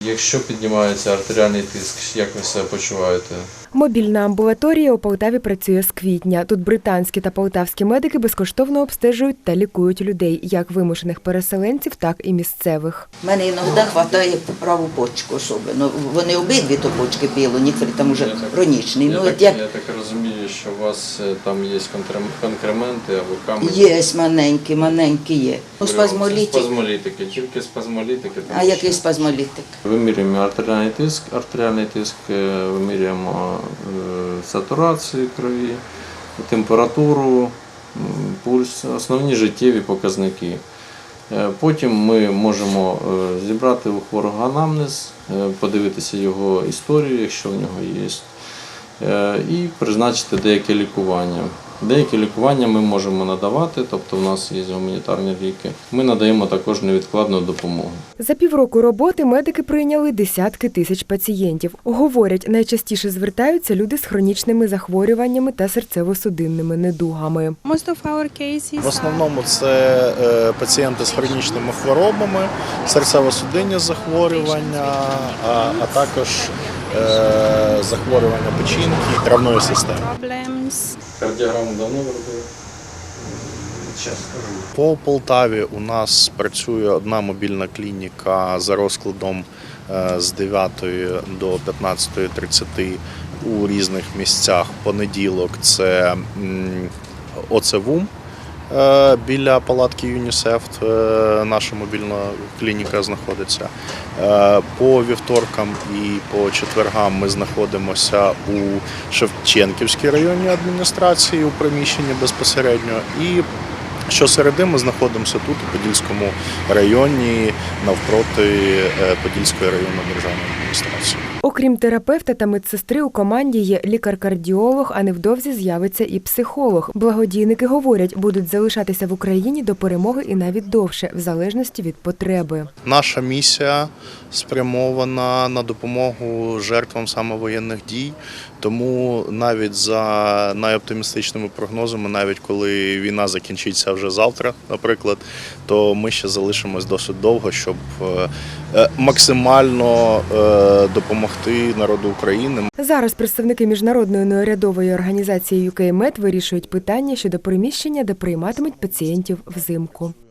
Якщо піднімається артеріальний тиск, як ви себе почуваєте? Мобільна амбулаторія у Полтаві працює з квітня. Тут британські та полтавські медики безкоштовно обстежують та лікують людей, як вимушених переселенців, так і місцевих. У мене іноді вистачає праву почку особливо. Вони обидві то почки біло, там вже хронічний. Я так розумію, що у вас там є конкременти або камені? Є маленькі є. Спазмолітики, тільки спазмолітики. А який спазмолітик? Вимірюємо артеріальний тиск, вимірюємо сатурацію крові, температуру, пульс, основні життєві показники. Потім ми можемо зібрати у хворого анамнез, подивитися його історію, якщо в нього є, і призначити деяке лікування. Деякі лікування ми можемо надавати, тобто в нас є гуманітарні ліки. Ми надаємо також невідкладну допомогу. За півроку роботи медики прийняли десятки тисяч пацієнтів. Говорять, найчастіше звертаються люди з хронічними захворюваннями та серцево-судинними недугами. В основному це пацієнти з хронічними хворобами, серцево-судинні захворювання, а також захворювання печінки і травної системи. Кардіограму давно робили? По Полтаві у нас працює одна мобільна клініка за розкладом з 9 до 15:30 у різних місцях. Понеділок це ОЦВУМ біля палатки ЮНІСЕФ, наша мобільна клініка знаходиться. По вівторкам і по четвергам ми знаходимося у Шевченківській районній адміністрації у приміщенні безпосередньо. І щосереди ми знаходимося тут, у Подільському районі, навпроти Подільської районної державної адміністрації. Окрім терапевта та медсестри, у команді є лікар-кардіолог, а невдовзі з'явиться і психолог. Благодійники говорять, будуть залишатися в Україні до перемоги і навіть довше, в залежності від потреби. Наша місія спрямована на допомогу жертвам саме воєнних дій, тому навіть за найоптимістичними прогнозами, навіть коли війна закінчиться вже завтра, наприклад, то ми ще залишимось досить довго, щоб максимально допомогти народу України. Зараз представники міжнародної неурядової організації UK Med вирішують питання щодо приміщення, де прийматимуть пацієнтів взимку.